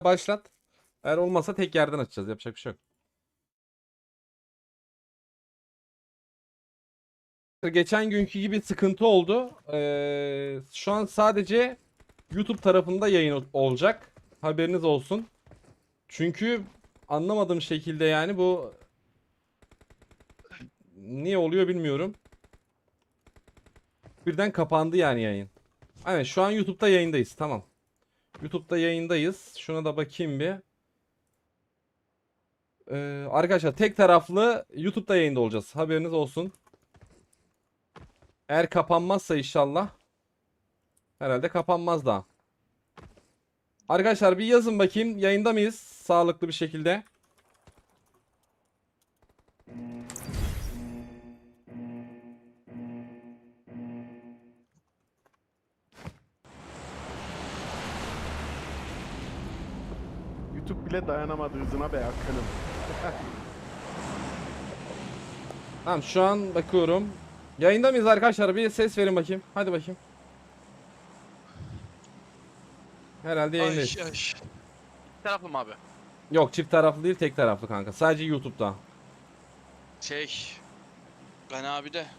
Başlat. Eğer olmazsa tek yerden açacağız. Yapacak bir şey yok. Geçen günkü gibi sıkıntı oldu. Şu an sadece YouTube tarafında yayın olacak. Haberiniz olsun. Çünkü anlamadığım şekilde yani bu niye oluyor bilmiyorum. Birden kapandı yani yayın. Aynen şu an YouTube'da yayındayız. Tamam. YouTube'da yayındayız. Şuna da bakayım bir. Arkadaşlar tek taraflı YouTube'da yayında olacağız. Haberiniz olsun. Eğer kapanmazsa inşallah. Herhalde kapanmaz daha. Arkadaşlar bir yazın bakayım. Yayında mıyız? Sağlıklı bir şekilde. YouTube bile dayanamadı hızına be akınım. Tamam şu an bakıyorum. Yayında mıyız arkadaşlar? Bir ses verin bakayım. Hadi bakayım. Herhalde yayındayız. Ay. Taraflı mı abi? Yok çift taraflı değil tek taraflı kanka. Sadece YouTube'da. Ben abi de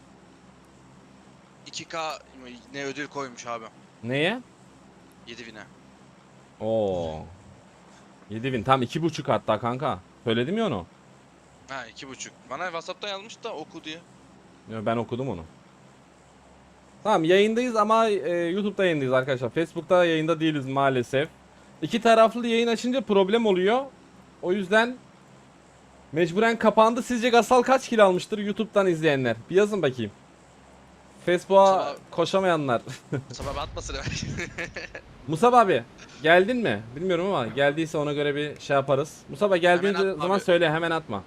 2K ne ödül koymuş abi. Neye? 7.000'e. Oo. 7000 tam 2,5 hatta kanka. Söyledim ya onu. Ha 2.5. Bana WhatsApp'tan yazmış da oku diye. Ya ben okudum onu. Tamam yayındayız ama YouTube'da yayındayız arkadaşlar. Facebook'ta yayında değiliz maalesef. İki taraflı yayın açınca problem oluyor. O yüzden mecburen kapandı. Sizce Gasal kaç kilo almıştır YouTube'dan izleyenler? Bir yazın bakayım. Facebook'a Sabah- koşamayanlar. Sabah atmasın hemen. Musab abi geldin mi? Bilmiyorum ama geldiyse ona göre bir şey yaparız. Musab abi geldiğin Hemen atma zaman abi. söyle hemen atma.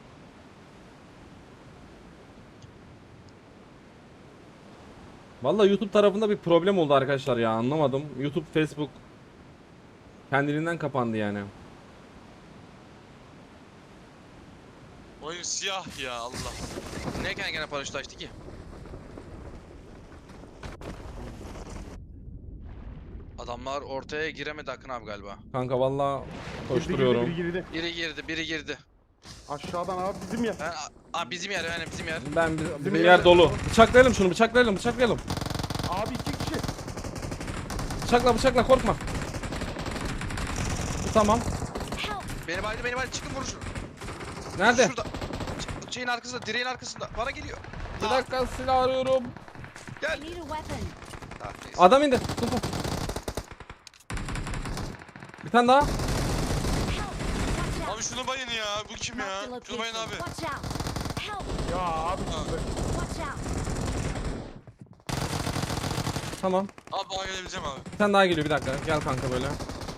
Vallahi YouTube tarafında bir problem oldu arkadaşlar ya anlamadım. YouTube, Facebook kendiliğinden kapandı yani. Oyun siyah ya Allah. Ne gene paraşüt açtı ki? Adamlar ortaya giremedi Akın abi galiba. Kanka vallahi Girdi, koşturuyorum. girdi. Biri girdi. Aşağıdan abi bizim yer. Bizim yer yani bizim yer. Bir Bizim yer yer- dolu. Bıçaklayalım şunu bıçaklayalım. Abi 2 kişi. Bıçakla korkma. Bu tamam. Beni baydı çıkın vurun şunu. Nerede? Şurada. Şeyin arkasında, direğin arkasında. Bana geliyor. Bir dakika silah arıyorum. Gel. I need a weapon. Neyse. Adam indi. Dur. Bir tane daha. Help! Watch Abi out! şunu bayın ya. Bu kim ya? Mark the Şunu bayın location. abi. Watch out! Help! Ya abi. Watch out! Tamam. Abi bana gelebileceğim abi. Bir tane daha geliyor bir dakika. Gel kanka böyle.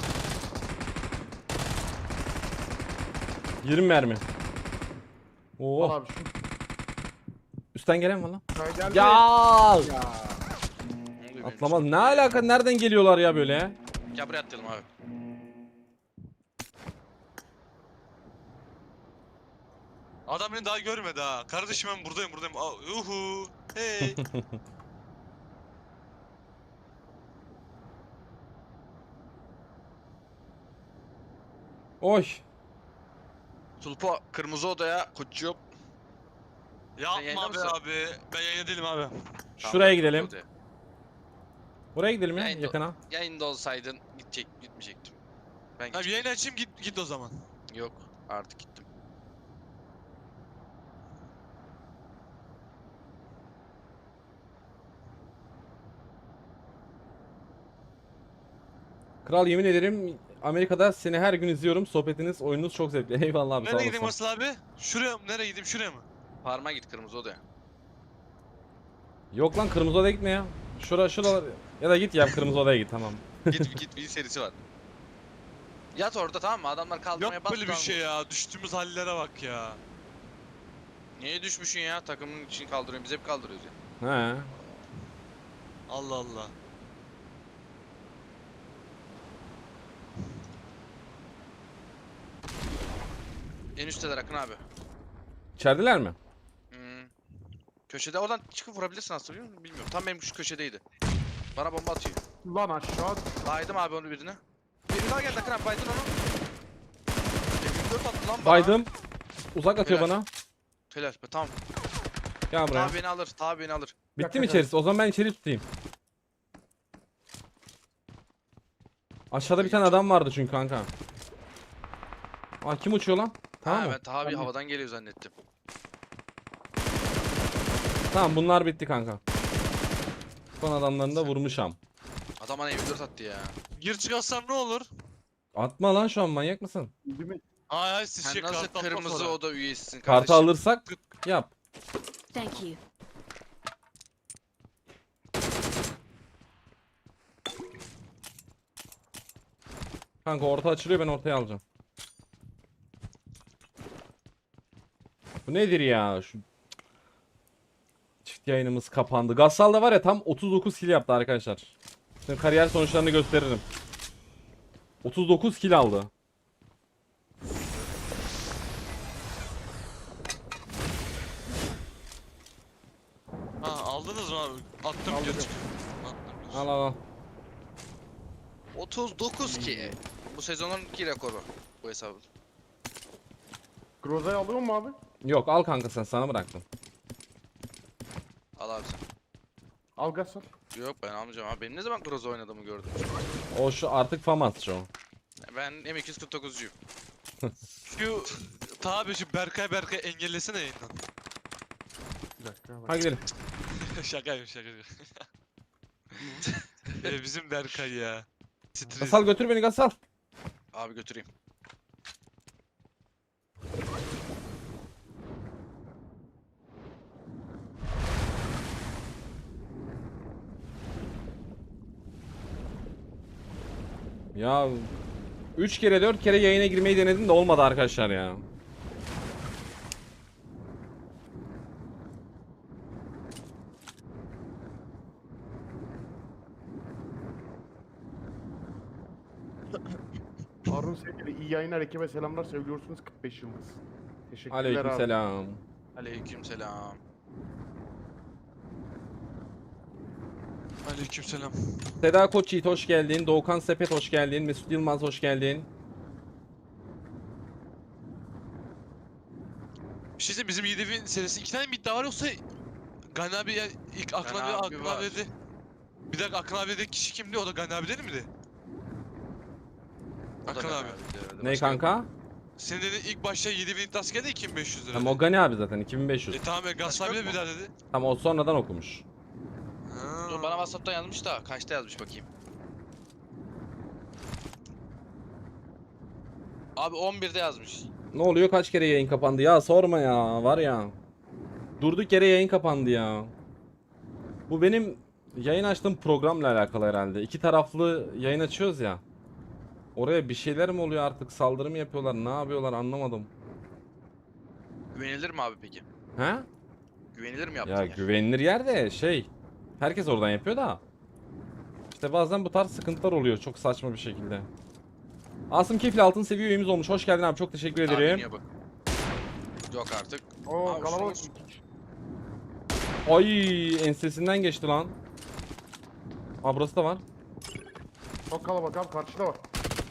20 mermi. Al Oo. abi şu. Üstten gelen var lan. Geldi. Ya! Ya. Atlamaz. Ne alaka? Nereden geliyorlar ya böyle? Gel buraya atlayalım abi. Adam beni daha görmedi ha. Kardeşim ben buradayım. Uhu. Hey. Oy. Tulpa kırmızı odaya koçuyor. Sen yayında Yapma be mısın? abi. Ben yayında değilim abi. Şuraya gidelim. Buraya gidelim ya Yayında- yakına. Yayında olsaydın gitmeyecektim. Ben Abi gidecektim. yayını açayım git o zaman. Yok artık gittim. Kral yemin ederim Amerika'da seni her gün izliyorum. Sohbetiniz, oyununuz çok zevkli. Eyvallah abi sağ Nereye gideyim olasın. Asıl abi? Şuraya mı? Nereye gideyim? Şuraya mı? Parma git kırmızı odaya. Yok lan kırmızı odaya gitme ya. Şuralar ya da git ya kırmızı odaya git tamam. Git bir serisi var. Yat orada tamam mı? Adamlar kaldırmaya Yok bas. böyle bir şey ya. Düştüğümüz hallere bak ya. Niye düşmüşsün ya? Takımın için kaldırıyorsun. Biz hep kaldırıyoruz ya. He. Allah Allah. En üstteler Akın abi. İçerideler mi? Hmm. Köşede oradan çıkıp vurabilirsin aslında biliyor musun? Bilmiyorum. Tam benim şu köşedeydi. Bana bomba atıyor. Lan aşağı. Baydım abi onu birine. Biri daha geldi Akın abi baydın onu. 24 attı lan bana. Baydım. Uzak atıyor Helal. bana. Helal be tamam. Gel buraya. Tabi beni alır. Tabi beni alır. Bitti mi içerisi? O zaman ben içeri tutayım. Aşağıda bir tane adam vardı çünkü kanka. Aa kim uçuyor lan? Tamam Ha mı? ben Tabi havadan geliyor zannettim. Tamam bunlar bitti kanka. Son adamlarını da vurmuşam. Adam bana 24 attı ya. Gir çıkarsam ne olur? Atma lan şu an, manyak mısın? Değil mi? Hayır hayır siz Sen şey nasıl kart atma kırmızı sonra. oda üyesisin Kartı kardeşim? alırsak yap. Thank you. Kanka orta açılıyor, ben ortaya alacağım. Bu nedir ya? Şu çift yayınımız kapandı. Gassal da var ya tam 39 kill yaptı arkadaşlar. Şimdi kariyer sonuçlarını gösteririm. 39 kill aldı. Ha aldınız mı abi? Attım Aldım. gir çık. Attım gir. Al al al. 39 ki. Bu sezonun ki rekoru. Bu hesabın. Groza'yı alıyor mu abi? Yok al kanka, sen sana bıraktım. Al abi sen. Al Gasol. Yok ben almayacağım abi. Benim ne zaman Groza oynadığımı gördüm. O şu artık famatçı o. Ben M249'cuyum. Şu tabi şu Berkay engellesene yayından. Bir dakika bak. Hadi gidelim. Şakayım. Bizim Berkay ya. Stres. Gassal götür beni Gassal. Abi götüreyim. Ya 3 kere 4 kere yayına girmeyi denedim de olmadı arkadaşlar ya. Harun sevgili iyi yayınlar, ekibe selamlar, seviyorsunuz 45 yıldız. Teşekkürler abi. Aleykümselam. Aleykümselam. Aleykümselam. Seda Koçyiğit hoş geldin. Doğukan Sepet hoş geldin. Mesut Yılmaz hoş geldin. Bir şey diyeyim, bizim 7000 serisi 2 tane mi iddia var yoksa Gani abi ya ilk Akın Gani abi abi Akın var. abi dedi. Bir dakika Akın abi dedi kişi kimdi? O da Gani abi değil miydi? O da Akın ben abi. dedi. Ne Başka yok. kanka? Senin dedi ilk başta 7000 iddiası geldi 2500 lira. Tamam o Gani abi zaten 2500. Tamam ya Gaz abi de bir daha dedi. Tamam o sonradan okumuş. Ha. Dur bana WhatsApp'tan yazmış da kaçta yazmış bakayım. Abi 11'de yazmış. Ne oluyor, kaç kere yayın kapandı ya, sorma ya, var ya. Durduk yere yayın kapandı ya. Bu benim yayın açtığım programla alakalı herhalde. İki taraflı yayın açıyoruz ya. Oraya bir şeyler mi oluyor artık, saldırı mı yapıyorlar, ne yapıyorlar anlamadım. Güvenilir mi abi peki? He? Güvenilir mi yaptın Ya ya? güvenilir yer de şey. Herkes oradan yapıyor da. İşte bazen bu tarz sıkıntılar oluyor çok saçma bir şekilde. Asım Kefil altın seviye üyemiz olmuş. Hoş geldin abi, çok teşekkür Abi ederim. niye bak? Yok artık. Oo Abi kalabalık. şunu- Ay ensesinden geçti lan. Aa burası da var. Çok kalabalık abi, karşıda var.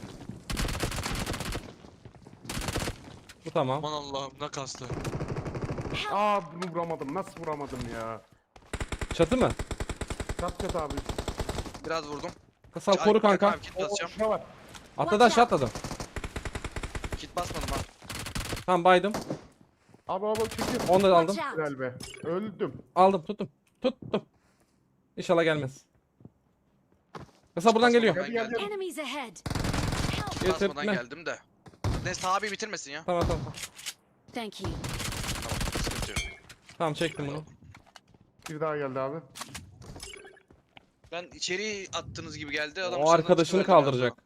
Bu tamam. Aman Allah'ım ne kastı. Aa bunu vuramadım, nasıl vuramadım ya. Çatı mı? Çat çat abi. Biraz vurdum. Kasal koru Ay, kanka. Abi, kit Oo basacağım. şuna var. Atladı aşağı atladı. Kit basmadım ha. Tamam baydım. Abi çekiyor. Onu da aldım. Watch out. Helal be. Öldüm. Aldım tuttum. Tuttum. İnşallah gelmez. Kasal buradan geliyor. Ben geldim. Enemies ahead. Help. Kit basmadan Getirtme. geldim de. Neyse abi bitirmesin ya. Tamam. Thank you. Tamam sıkıntı yok. Tamam çektim bunu. Bir daha geldi abi. Ben içeri attığınız gibi geldi. Adam O dışarıdan arkadaşını çıkıverdi kaldıracak.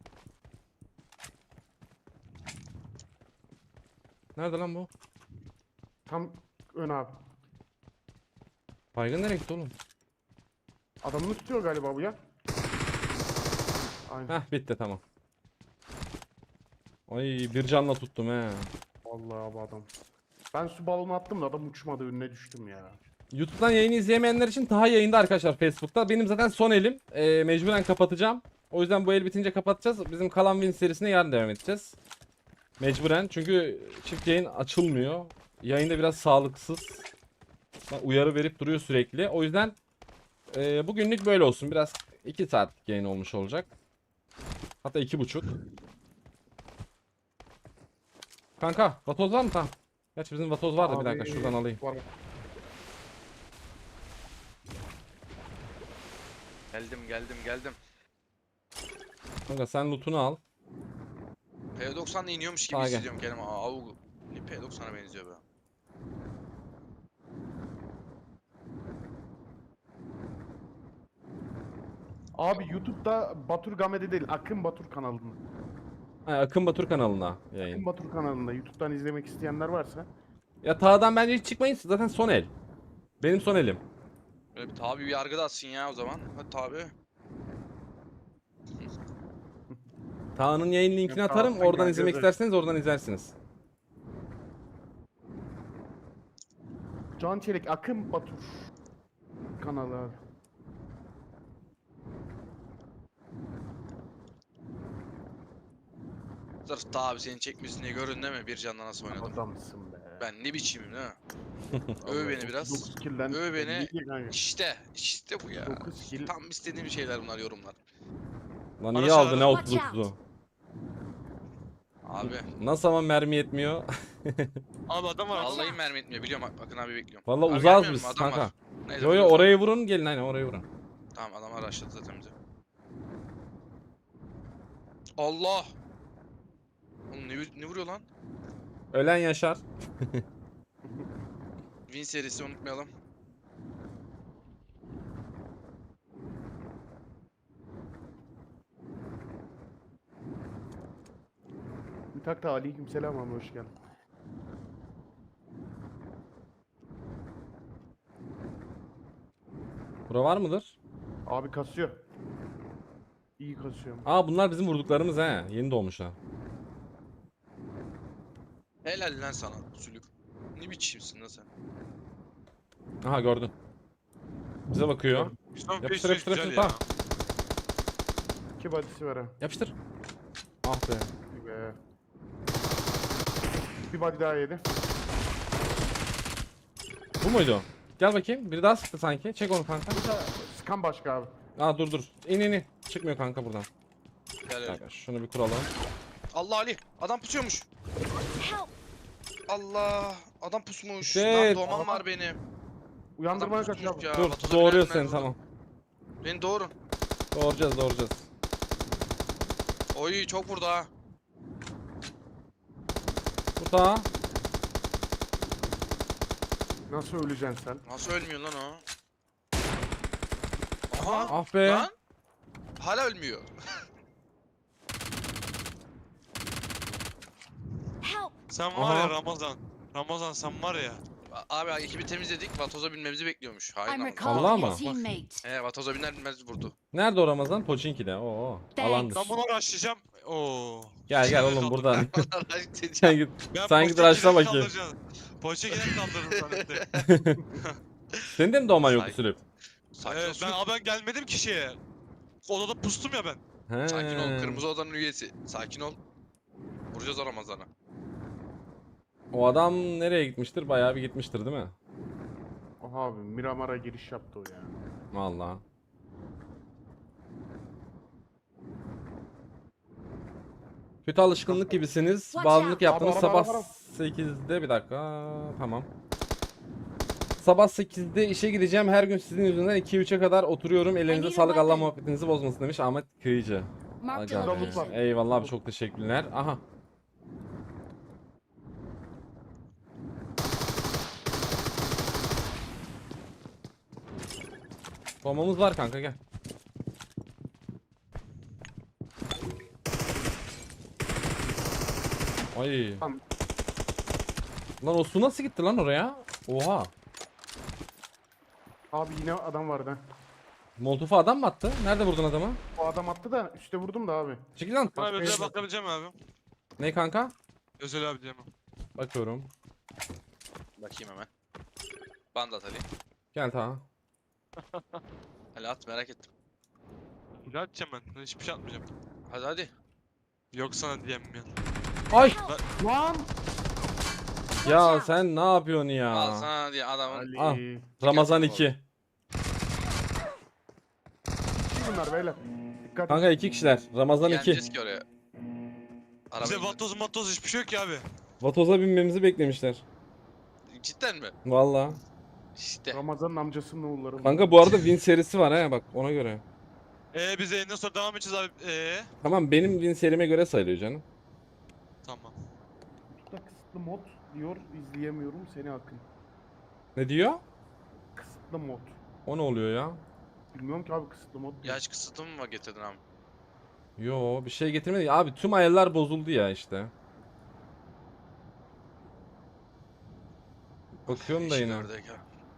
Nerede lan bu? Tam ön abi. Baygın nereye gitti oğlum? Adamını tutuyor galiba bu ya. Aynen. Heh bitti tamam. Ay bir canla tuttum he. Vallahi bu adam. Ben su balonu attım da adam uçmadı, önüne düştüm ya. YouTube'dan yayını izleyemeyenler için Taha yayında arkadaşlar Facebook'ta. Benim zaten son elim. Mecburen kapatacağım. O yüzden bu el bitince kapatacağız. Bizim kalan win serisine yarın devam edeceğiz. Mecburen. Çünkü çift yayın açılmıyor. Yayında biraz sağlıksız. Uyarı verip duruyor sürekli. O yüzden bugünlük böyle olsun. Biraz 2 saatlik yayın olmuş olacak. Hatta 2,5. Kanka vatoz var mı? Tamam. Gerçi bizim vatoz vardı, bir dakika Abi, şuradan alayım. var. Geldim. Kanka sen lootunu al. P90'da iniyormuş gibi Sağa gel. hissediyorum kendimi. Avu. P90'a benziyor be. Abi YouTube'da Batur Game'de değil, Akın Batur kanalında. Ha, Akın Batur kanalına yayın. Akın Batur kanalında YouTube'dan izlemek isteyenler varsa. Ya tağdan bence hiç çıkmayın, zaten son el. Benim son elim. Böyle bir tabi bir yargı da atsın ya o zaman. Hadi tabi. Tağ'ın yayın linkini Yok, atarım. Tağ'dan Oradan gel, izlemek gözler. isterseniz oradan izlersiniz. Can Çelik Akın Batur kanalı abi. Sırf tabi seni çekmesin diye görün değil mi? Bir canla nasıl oynadım. Adamsın be. Ben ne biçimim değil mi? Öv beni biraz. 9 kill'den Öv beni. 57 kanka. İşte bu ya. 9 kill. Tam istediğim şeyler bunlar yorumlar. Lan Bana iyi aldı ne çağırın. outlook'tu. Abi. Nasıl ama mermi yetmiyor. Abi adam var. Vallahi mermi etmiyor biliyorum bakın abi bekliyorum. Vallahi Abi uzağız gelmiyor biz mu? Adam kanka. var. Neyse, Yo yo biliyoruz. oraya vurun, gelin aynen oraya vurun. Tamam adamlar araştırdı zaten bizi. Allah! Oğlum ne vuruyor lan? Ölen yaşar. Win serisi unutmayalım. Mütak da aleykümselam abi, hoş geldin. Bura var mıdır? Abi kasıyor. İyi kasıyor. Aa bunlar bizim vurduklarımız he. Yeni doğmuşlar. Helal lan sana sülük. Ne biçimsin lan sen? Aha gördün. Bize bakıyor. Son Yapıştır, peşin yapıştır, güzel yapıştır, ya. tamam. 2 body'si var ha. Yapıştır. Ah be. İyi be. Bir body daha yedi. Bu muydu? Gel bakayım. Biri daha sıktı sanki. Çek onu kanka. Sıkan başka abi. Aa dur dur. İn. Çıkmıyor kanka buradan. Helal. Kanka şunu bir kuralım. Allah Ali! Adam pusuyormuş. Help! Allah! Adam pusmuş. Shit. Lan doğmam var benim. Uyandırmaya Adam kaçıyor pusmuş abi. ya. Dur Vatoza doğuruyor binerler seni burada. tamam. Beni doğurun. Doğuracağız. Oy çok vurdu ha. Burada. Nasıl öleceksin sen? Nasıl ölmüyor lan o? Aha! Ah be. Lan! Hala ölmüyor. Help! Sen var Aha. ya Ramazan. Ramazan sen var ya. Abi ekibi temizledik. Vatoza binmemizi bekliyormuş. Hain I'm Ramazan. recalling Allah a mı? teammate. Vatoza biner binmez vurdu. Nerede o Ramazan? Poçinki'de. Oo. Thanks. Alandır. Ben bunu uğraşacağım. Oo. Gel oğlum buradan. Sen git. Ben Sen git Poçinki'den araçla bakayım. kaldıracağım. Poçinki'den kaldırırım zannettim. Senin de mi doğman yoktu Say- Sülüp? Sakin ol. Evet, ben gelmedim ki şeye. Odada pustum ya ben. He. Sakin ol. Kırmızı odanın üyesi. Sakin ol. Vuracağız o Ramazan'a. O adam nereye gitmiştir? Bayağı bir gitmiştir değil mi? Oha abi Miramar'a giriş yaptı o ya. Vallahi. Kötü alışkınlık gibisiniz. Watch Bağımlılık out. yaptınız. Araba, Sabah araba, araba. 8'de bir dakika. Tamam. Sabah 8'de işe gideceğim. Her gün sizin yüzünden 2-3'e kadar oturuyorum. Ellerinize I need a sağlık. Allah weapon. muhabbetinizi bozmasın demiş Ahmet Kıyıcı. Marked a Aga be. location. Eyvallah abi çok teşekkürler. Aha. Bombamız var kanka gel. Ay. Tamam. Lan o su nasıl gitti lan oraya? Oha. Abi yine adam vardı ha. Molotof'a adam mı attı? Nerede vurdun adamı? O adam attı da üstte vurdum da abi. Çekil lan. Abi özel yok. bakabileceğim abi. Ne kanka? Özel abi diyemem. Bakıyorum. Bakayım hemen. Banda at Ali. Gel ta. Ali at merak ettim. Ne atacağım ben? Hiçbir şey atmayacağım. Hadi hadi. Yok sana diyemem ya. Ay Lan! ya sen ne yapıyorsun Al ya? sana diye adamın. Ali. Ah. Ramazan Dikkat 2. Kim bunlar beyler? Dikkat. Kanka 2 kişiler. Ramazan 2. Gelmeyeceğiz ki oraya. Bize Arabayı vatoz hiçbir şey yok ki abi. Vatoza binmemizi beklemişler. Cidden mi? Valla. İşte. Ramazan'ın amcasının oğulları. Kanka bu arada win serisi var ha bak ona göre. Biz yayından sonra devam edeceğiz abi. Tamam benim win serime göre sayılıyor canım. Tamam. YouTube'da kısıtlı mod diyor, izleyemiyorum seni Akın. Ne diyor? Kısıtlı mod. O ne oluyor ya? Bilmiyorum ki abi kısıtlı mod diyor. Yaş kısıtı mı getirdin abi? Yo bir şey getirmedi. Abi tüm ayarlar bozuldu ya işte. Bakıyorum da İşin yine. oradayken.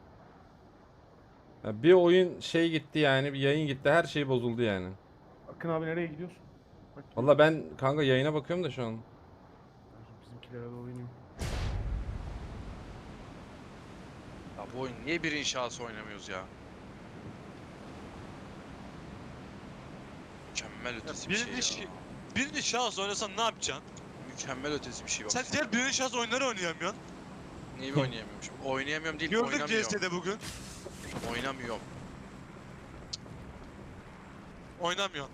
Ya bir oyun şey gitti yani bir yayın gitti her şey bozuldu yani. Akın abi nereye gidiyorsun? Bak, Valla ben kanka yayına bakıyorum da şu an. bizimkilere de oynuyor. Ya bu oyun niye bir inşası oynamıyoruz ya? Mükemmel ötesi bir Birinci, şey ya. birinci şahıs oynasan ne yapacaksın? Mükemmel ötesi bir şey bak. Sen diğer birinci şahıs oyunları oynayamıyorsun. Neyi oynayamıyormuşum? Oynayamıyorum değil, Gördük oynamıyorum. CS'de bugün. Oynamıyorum. Oynamıyorsun.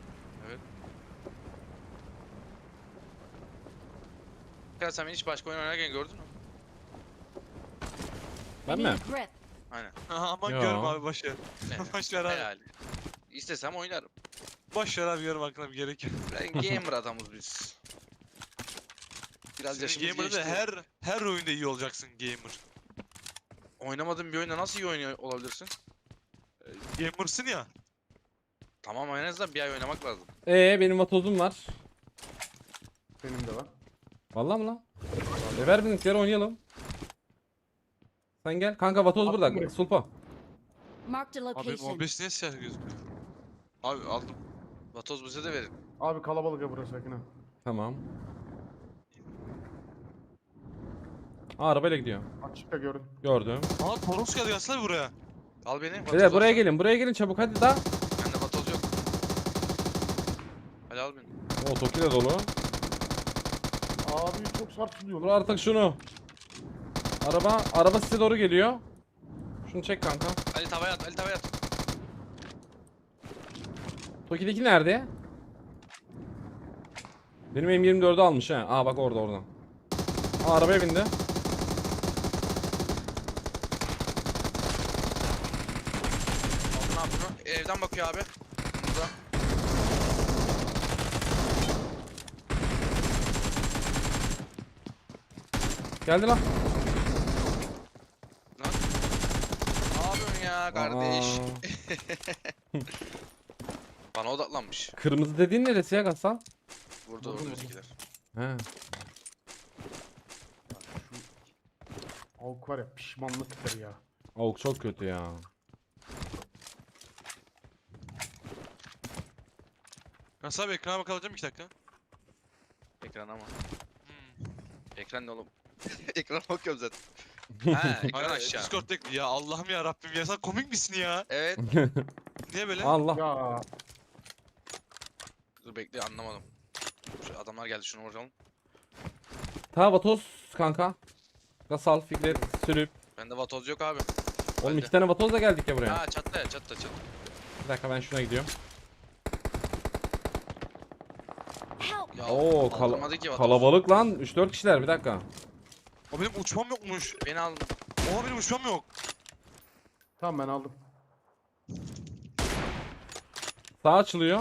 Ya sen beni hiç başka oyun oynarken gördün mü? Ben I mi? need a grip. Aynen. Aha, aman Yo. görme abi boş ver. Evet. Boş ver abi. Hayal. İstesem oynarım. Boş ver abi yorum hakkında bir gerek yok. Ben gamer adamız biz. Biraz Senin yaşımız gamer'da geçti. her oyunda iyi olacaksın gamer. Oynamadığın bir oyunda nasıl iyi oynuyor olabilirsin? Gamer'sın ya. Tamam en azından bir ay oynamak lazım. Benim vatozum var. Benim de var. Vallahi mı lan? Ver bizimkileri oynayalım. Sen gel. Kanka vatoz Attım burada. buraya. Sulpa. Marked a Abi location. OBS niye siyah gözüküyor? Abi aldım. Vatoz bize de verin. Abi kalabalık ya burası Akın abi. Tamam. Aa, arabayla gidiyor. Açıkta görün. Gördüm. Aa Toros geldi gelsene buraya. Al beni. Vatoz Beyler buraya olsa. gelin. Buraya gelin çabuk hadi daha. Bende vatoz yok. Hadi al beni. O Toki de dolu. Abi çok sarsılıyor Dur lan. artık şunu. Araba size doğru geliyor. Şunu çek kanka. Ali tavaya at. Ali tavaya at. Toki'deki nerede? Benim M24'ü almış ha. Aa bak orada. Aa arabaya bindi. Al ne yapıyor? Evden bakıyor abi. Burada. Geldi lan. Lan. Ne yapıyorsun ya kardeş? Aa, Bana odaklanmış. kırmızı dediğin neresi ya Gasal? Burada Vurdum, orada vurdum. bizimkiler. He. Şu avuk var ya pişmanlıktır ya. Avuk çok kötü ya. Nasıl abi ekrana bakacağım 2 dakika. Ekran ama. Hmm. Ekran ne oğlum? Ekran bakıyorum zaten. Ha, ekran Hayır, aşağı. Discord'daki ya Allah'ım ya Rabbim ya sen komik misin ya? Evet. Niye böyle? Allah. Ya Dur bekle anlamadım. Şu adamlar geldi şunu vuralım. Ta vatoz kanka. Gasal, Fikret, Sürüp. Bende vatoz yok abi. Oğlum Bende. 2 tane vatozla geldik ya buraya. Ha çatla ya çatla. Bir dakika ben şuna gidiyorum. Help! Ya Oo kaldırmadı ki vatoz. kalabalık lan. 3-4 kişiler bir dakika. O benim uçmam yokmuş. Beni al. Oha benim uçmam yok. tamam ben aldım. Sağ açılıyor.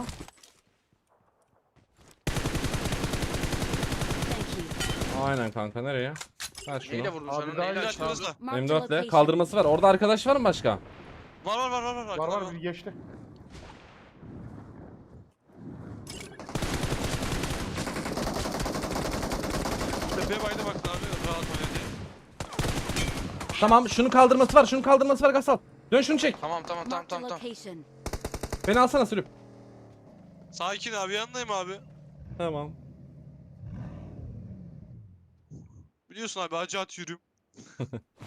Thank you. Aynen kanka nereye? Ver şunu. Neyle vurdun Abi sen onu? daha Neyle iyi açtın? Biraz da. Marked a M4'le location. kaldırması var. Orada arkadaş var mı başka? Var. Var var bir geçti. Tepeye bayda baktın abi rahat oyna diye. Tamam şunun kaldırması var Gasal. Dön şunu çek. Tamam. Marked a location. Beni alsana Sürüp. Sakin abi yanındayım abi. Tamam. Biliyorsun abi acı at yürüyüm.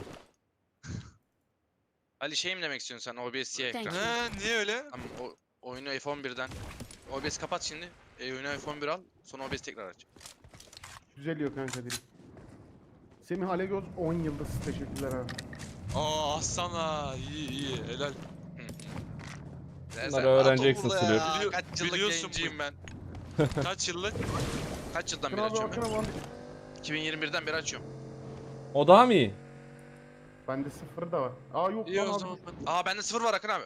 Ali şey mi demek istiyorsun sen? OBS siyah Thank ekran. you. He niye öyle? Tamam o Oyunu F11'den. OBS kapat şimdi. Oyunu F11 al. Sonra OBS tekrar aç. Düzeliyor kanka direkt. Semih Alegöz 10 yıldız. Teşekkürler abi. Aa aslan iyi iyi helal. Bunları öğreneceksin burada ya. Sülüyor. Bili- Kaç yıllık biliyorsun yayıncıyım ben. Kaç yıllık? Kaç yıldan Akın beri abi açıyorum Akın ben? abi. 2021'den beri açıyorum. O daha mı iyi? Bende 0 da var. Aa yok İyi lan o abi. zaman. Aa bende 0 var Akın abi.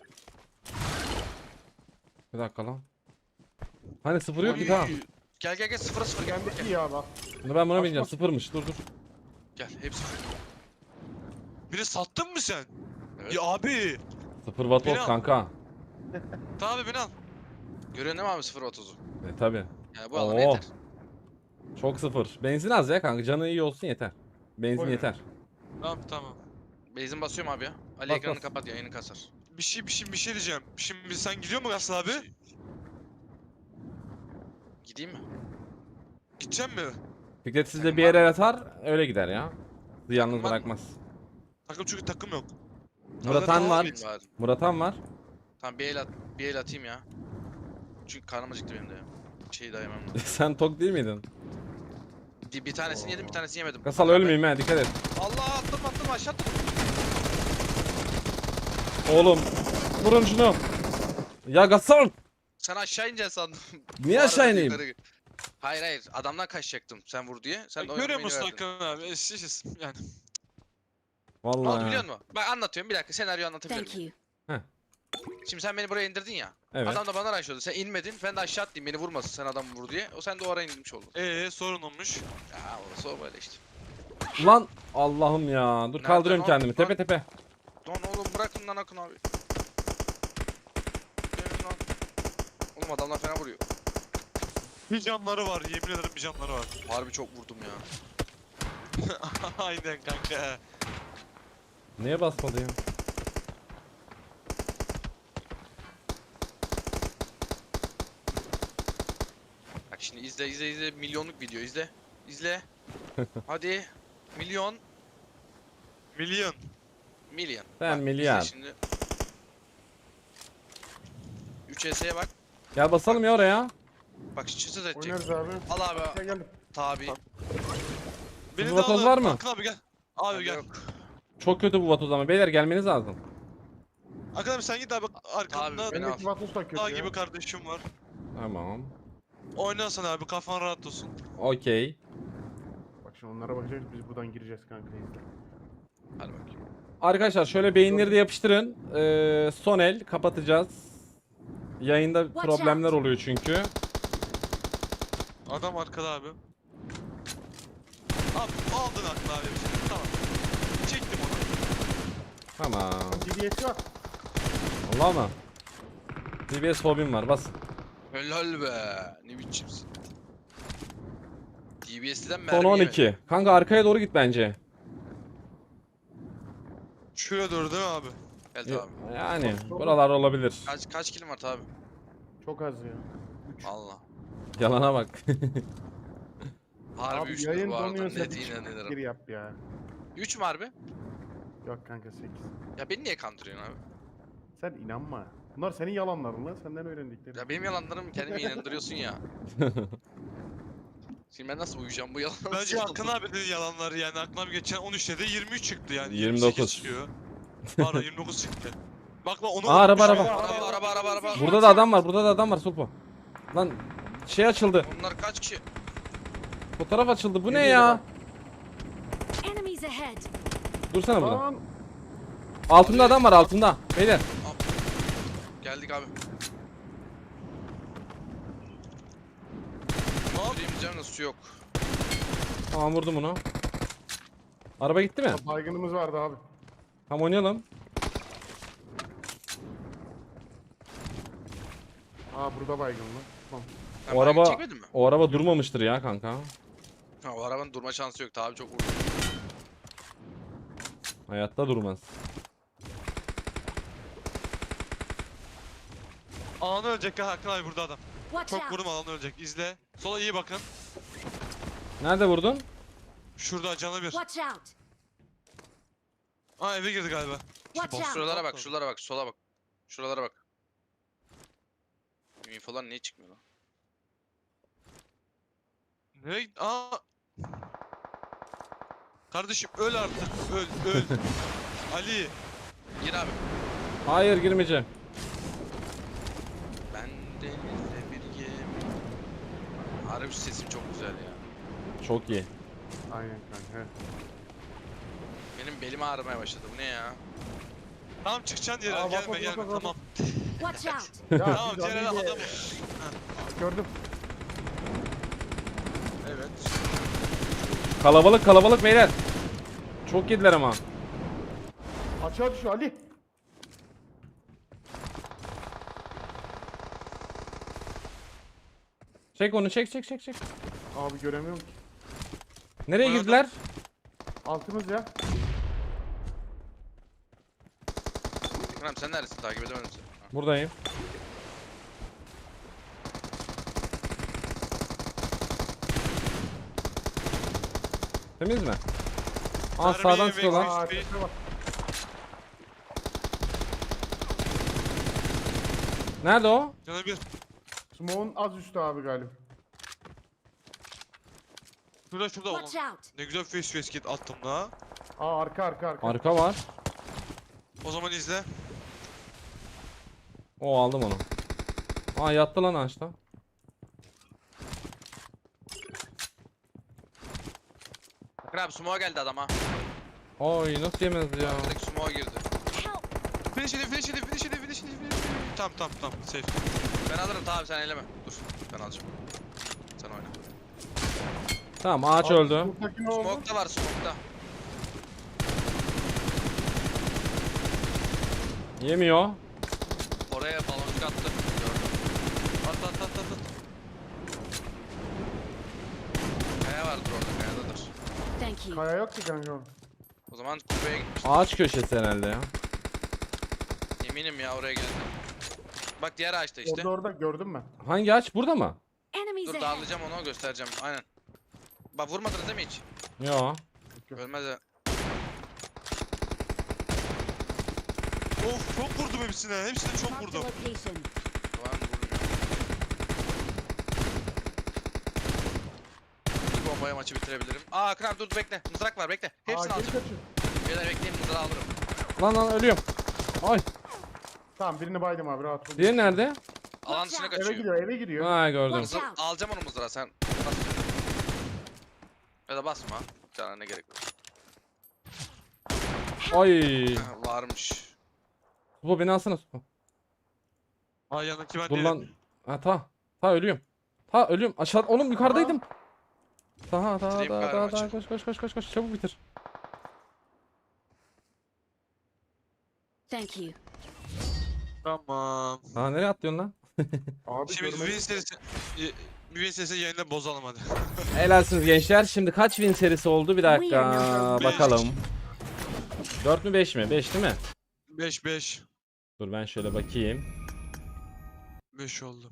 Bir dakika lan. Hani sıfır yok ki tamam. Gel gel gel 0'a 0 gel. Bendeki ya bak. Ben buna Bas, bineceğim. bas. Sıfırmış. Dur dur. Gel hepsi 0. Biri sattın mı sen? Evet. Ya abi. Sıfır watt Biraz- of kanka. Tamam abi beni al. Görüyorsun değil mi abi 0.30'u? Tabi. Yani bu alana Oo. yeter. Çok sıfır. Benzin az ya kanka. Canı iyi olsun yeter. Benzin Oy. yeter. Tamam tamam. Benzin basıyorum abi ya. Ali Bas, ekranını bas. kapat yayını kasar. Bir şey diyeceğim. Şimdi sen gidiyor mu Gaslı abi? Gideyim mi? Gidecek mi? Fikret sizle bir yere atar öyle gider ya. Sizi yalnız Takım var mı? bırakmaz. Takım çünkü takım yok. Murat Han var. Benim var. Murat Han var. Tamam bir el atayım ya. Çünkü karnım acıktı benim de ya. Şeyi dayamam. Sen tok değil miydin? Bir tanesini yedim bir tanesini yemedim. Kasal ölmeyeyim ha dikkat et. Allah attım aşağı attım. Oğlum. Vurun şunu. Ya Gasol. Sen aşağı ineceksin sandım. Niye Bu arada aşağı ineyim? yukarı- Hayır adamdan kaçacaktım sen vur diye. Sen de Görüyor oynamayı musun verdin. Hakan abi? Eşsiz yani. Ne oldu Vallahi. biliyor musun? Bak anlatıyorum bir dakika senaryo anlatabilir Thank miyim? you. Şimdi sen beni buraya indirdin ya. Evet. Adam da bana araştırdı. Sen inmedin. Ben de aşağı atlayayım beni vurmasın sen adamı vur diye. O sen de o ara inmiş oldun. Sorun olmuş. Ya orası o böyle işte. Lan Allah'ım ya. Dur Nerede kaldırıyorum lan? kendimi. Lan. Tepe tepe. Lan oğlum bırakın lan Akın abi. Gelin lan. Oğlum adamlar fena vuruyor. Bir canları var yemin ederim bir canları var. Harbi çok vurdum ya. Aynen kanka. Niye basmadı ya? Bak şimdi izle milyonluk video izle. İzle. Hadi. Milyon. Milyon. Milyon. Ben Bak, milyar. izle Şimdi. 3 S'ye bak. Gel basalım ya oraya. Bak çıtı edecek. Oynarız abi. Al abi. Gel geldim. Tabi. Beni de vatoz alın. var mı? Hakan abi gel. Abi gel. Yok. Çok kötü bu vatoz ama. Beyler gelmeniz lazım. Hakan abi sen git abi arkanda Abi, beni al. Bendeki vatos da kötü dağ ya. gibi kardeşim var. Tamam. Oynasana abi kafan rahat olsun. Okey. Bak şimdi onlara bakacağız biz buradan gireceğiz kanka izle. Hadi bakayım. Arkadaşlar şöyle beyinleri de yapıştırın. Son el kapatacağız. Yayında Watch problemler out. oluyor çünkü. Adam arkada abi. Abi aldın Hakan abi bir şey. Tamam. Çektim onu. Tamam. DBS var. Allah mı? DBS fobim var bas. Helal be. Ne biçimsin. DBS'den mermi Son 12. Kanka arkaya doğru git bence. Şuraya doğru değil mi abi? Gel abi. Yani buralar olabilir. Kaç kilim var abi? Çok az ya. Allah. Yalana bak. Harbi Abi 3 yayın bu arada. donuyorsa Net bir iğne gir ederim. yap ya. 3 mü harbi? Yok kanka 8. Ya beni niye kandırıyorsun abi? Sen inanma. Bunlar senin yalanların lan. Senden öğrendiklerim. Ya benim yalanlarım kendimi inandırıyorsun ya. Şimdi ben nasıl uyuyacağım bu yalan? Bence Hakan abi dedi yalanları yani. Hakan abi geçen 13 dedi 23 çıktı yani. 29. 28 çıkıyor. Pardon 29 çıktı. Bak onu Aa, araba, unutmuşum. Araba. Burada da adam var. Burada da adam var Sulpo. Lan şey açıldı. Onlar kaç kişi? Fotoğraf açıldı. Bu ne Geliyor ya? bak. Enemies ahead. Dursana burada. Lan Altında adam var altında. Beyler. Geldik abi. Hop. Yürüyemeyeceğim de su yok. Tamam vurdum onu. Araba gitti mi? baygınımız vardı abi. Tamam oynayalım. Aa burada baygın lan. Tamam. Sen O baygın araba çekmedin mi? o araba durmamıştır ya kanka. Ha, o arabanın durma şansı yok. Abi çok vurdu. Hayatta durmaz. Alan ölecek ha Hakan abi burada adam. Watch Çok out. vurdum alan ölecek. İzle. Sola iyi bakın. Nerede vurdun? Şurada canı bir. Watch out. Aa eve girdi galiba. Watch boss out. Şuralara bak, şuralara bak, sola bak. Şuralara bak. Infolar niye çıkmıyor lan? Nereye git? Aa. Kardeşim öl artık. Öl öl. Ali. Gir abi. Hayır girmeyeceğim. Ben denizde bir gemi. Harbi sesim çok güzel ya. Çok iyi. Aynen kanka. Benim belim ağrımaya başladı. Bu ne ya? Tamam çıkacaksın yere. Aa, bak, Gelme bak, gelme bak, bak. tamam. Watch out! Ya Tamam siz diğer Ali'yle- adam. Gördüm. Evet. Kalabalık kalabalık beyler. Çok yediler ama. Açığa düşüyor Ali. Çek onu çek çek çek çek. Abi göremiyorum ki. Nereye Oynadım. girdiler? Altımız ya. Kerem sen neredesin? Takip edemedim seni. Ha. Buradayım. Temiz mi? Aa Darbeyi sağdan ve sıkıyorlar. Aa, Aa tepeye bak. Nerede o? Yana bir. Smoke'un az üstü abi galiba. Şurada oğlum. Watch out! Ne güzel face face kit attım da. Aa arka arka arka. Arka var. O zaman izle. O aldım onu. Aa yattı lan ağaçta. Bakın abi sumo'a geldi adam ha. Oy nasıl yemez ya. Direkt sumo'a girdi. Help! Finish edin finish edin finish edin finish edin. Tamam safe. Ben alırım tamam sen eleme. Dur. Ben alacağım. Sen oyna. Tamam ağaç Abi, öldü. Smoke'daki ne oldu? Smoke'da var smoke'da. Yemiyor. Oraya baloncuk attı. Gördüm. At. Kaya vardır orada kayadadır. Thank you. Kaya yok ki kanka orada. O zaman kulübeye gitmiş. Ağaç köşesi herhalde ya. Eminim ya oraya geldi. Bak diğer ağaçta işte. Orada gördüm ben. Hangi ağaç? Burada mı? Enemies Dur ahead! dağılacağım onu göstereceğim. Aynen. Bak vurmadınız değil mi hiç? Yo. Ölmez ya. Of çok vurdum hepsine. Hepsine çok Marked a vurdum. location. Tamam vurdum ya. Bir bombaya maçı bitirebilirim. Aa kral dur bekle. Mızrak var bekle. Aa Hepsini geri alacağım. kaçıyor. Beyler bekleyin mızrağı alırım. Lan ölüyorum. Ay. Tamam birini baydım abi rahat ol. Diğeri nerede? Alan dışına Eve kaçıyor. gidiyor eve gidiyor. Ha gördüm. Watch out! Alacağım onu mızrağı sen. Bas. Ya da basma. Cana ne gerek var. Ay. Varmış. Bu beni alsana. Supo. Ay yanındaki ben Dur değilim. lan. Ha ta ölüyorum. Ta ölüyorum. Aşağı oğlum yukarıdaydım. Ta Bitireyim galiba maçı. koş çabuk bitir. Thank you. Tamam. Ha nereye atlıyorsun lan? Abi Şimdi görmedim. win serisi yayında bozalım hadi. Helalsiniz gençler. Şimdi kaç win serisi oldu? Bir dakika Beş. bakalım. 4 mü 5 mi? 5 değil mi? 5 Dur ben şöyle bakayım. 5 oldu.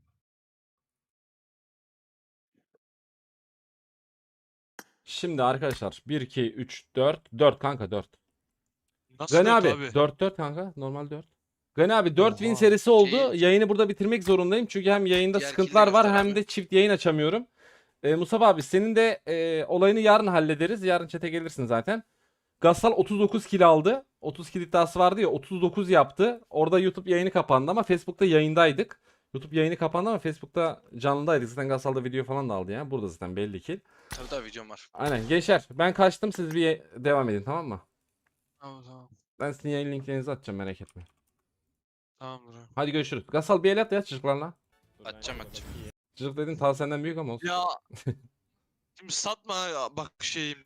Şimdi arkadaşlar 1 2 3 4 kanka 4. Nasıl Gani dört abi 4 kanka normal 4. Gani abi 4 win serisi oldu. Şey- Yayını burada bitirmek zorundayım. Çünkü hem yayında Diğer sıkıntılar kili var göster hem abi. de çift yayın açamıyorum. Mustafa abi senin de olayını yarın hallederiz. Yarın chat'e gelirsin zaten. Gassal 39 kill aldı. 30 kill iddiası vardı ya 39 yaptı. Orada YouTube yayını kapandı ama Facebook'ta yayındaydık. YouTube yayını kapandı ama Facebook'ta canlıdaydık. Zaten Gassal'da video falan da aldı ya. Burada zaten belli ki. Tabii tabii videom var. Aynen gençler ben kaçtım siz bir devam edin tamam mı? Tamam. Ben sizin yayın linklerinizi atacağım merak etmeyin. Tamamdır abi. Hadi görüşürüz. Gassal bir el at ya çocuklarla. Atacağım. Çocuk dedin ta senden büyük ama olsun. Ya. Şimdi satma ya, bak şeyim.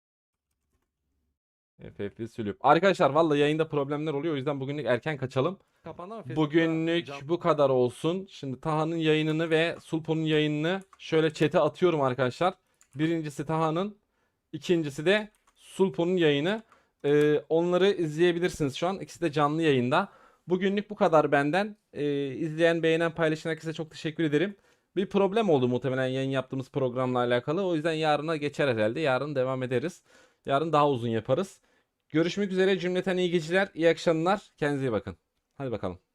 FF sülüp. Arkadaşlar vallahi yayında problemler oluyor. O yüzden bugünlük erken kaçalım. Bugünlük bu kadar olsun. Şimdi Taha'nın yayınını ve Sulpo'nun yayınını şöyle chat'e atıyorum arkadaşlar. Birincisi Taha'nın, ikincisi de Sulpo'nun yayını. Onları izleyebilirsiniz şu an. İkisi de canlı yayında. Bugünlük bu kadar benden. İzleyen, beğenen, paylaşan herkese çok teşekkür ederim. Bir problem oldu muhtemelen yayın yaptığımız programla alakalı. O yüzden yarına geçer herhalde. Yarın devam ederiz. Yarın daha uzun yaparız. Görüşmek üzere cümleten iyi geceler, iyi akşamlar. Kendinize iyi bakın. Hadi bakalım.